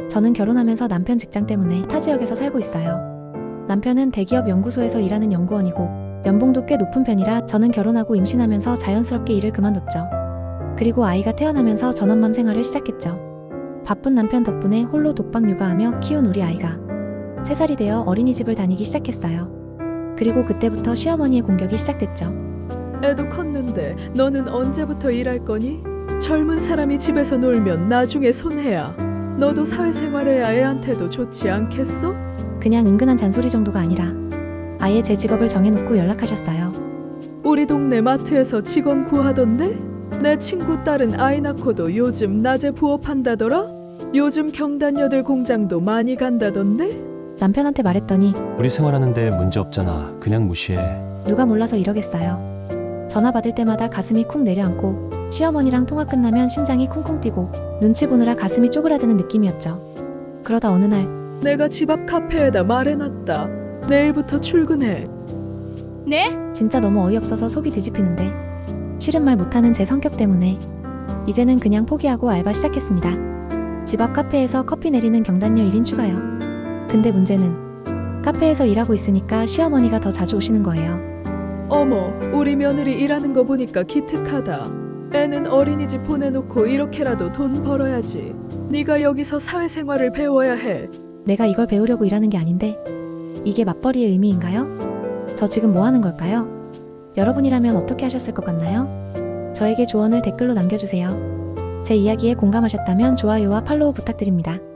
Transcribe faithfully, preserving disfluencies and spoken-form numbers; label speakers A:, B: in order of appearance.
A: 저는 결혼하면서 남편 직장 때문에 타 지역에서 살고 있어요. 남편은 대기업 연구소에서 일하는 연구원이고 연봉도 꽤 높은 편이라 저는 결혼하고 임신하면서 자연스럽게 일을 그만뒀죠. 그리고 아이가 태어나면서 전업맘 생활을 시작했죠. 바쁜 남편 덕분에 홀로 독박 육아하며 키운 우리 아이가 세 살이 되어 어린이집을 다니기 시작했어요. 그리고 그때부터 시어머니의 공격이 시작됐죠.
B: 애도 컸는데 너는 언제부터 일할 거니? 젊은 사람이 집에서 놀면 나중에 손해야. 너도 사회생활해야 애한테도 좋지 않겠어?
A: 그냥 은근한 잔소리 정도가 아니라 아예 제 직업을 정해놓고 연락하셨어요.
B: 우리 동네 마트에서 직원 구하던데? 내 친구 딸은 아이 낳고도 요즘 낮에 부업한다더라? 요즘 경단녀들 공장도 많이 간다던데?
A: 남편한테 말했더니
C: 우리 생활하는데 문제 없잖아. 그냥 무시해.
A: 누가 몰라서 이러겠어요. 전화 받을 때마다 가슴이 쿵 내려앉고 시어머니랑 통화 끝나면 심장이 쿵쿵 뛰고 눈치 보느라 가슴이 쪼그라드는 느낌이었죠. 그러다 어느 날
B: 내가 집 앞 카페에다 말해놨다. 내일부터 출근해.
D: 네?
A: 진짜 너무 어이없어서 속이 뒤집히는데 싫은 말 못하는 제 성격 때문에 이제는 그냥 포기하고 알바 시작했습니다. 집 앞 카페에서 커피 내리는 경단녀 일 인 추가요. 근데 문제는 카페에서 일하고 있으니까 시어머니가 더 자주 오시는 거예요.
B: 어머, 우리 며느리 일하는 거 보니까 기특하다. 애는 어린이집 보내놓고 이렇게라도 돈 벌어야지. 네가 여기서 사회생활을 배워야 해.
A: 내가 이걸 배우려고 일하는 게 아닌데 이게 맞벌이의 의미인가요? 저 지금 뭐 하는 걸까요? 여러분이라면 어떻게 하셨을 것 같나요? 저에게 조언을 댓글로 남겨주세요. 제 이야기에 공감하셨다면 좋아요와 팔로우 부탁드립니다.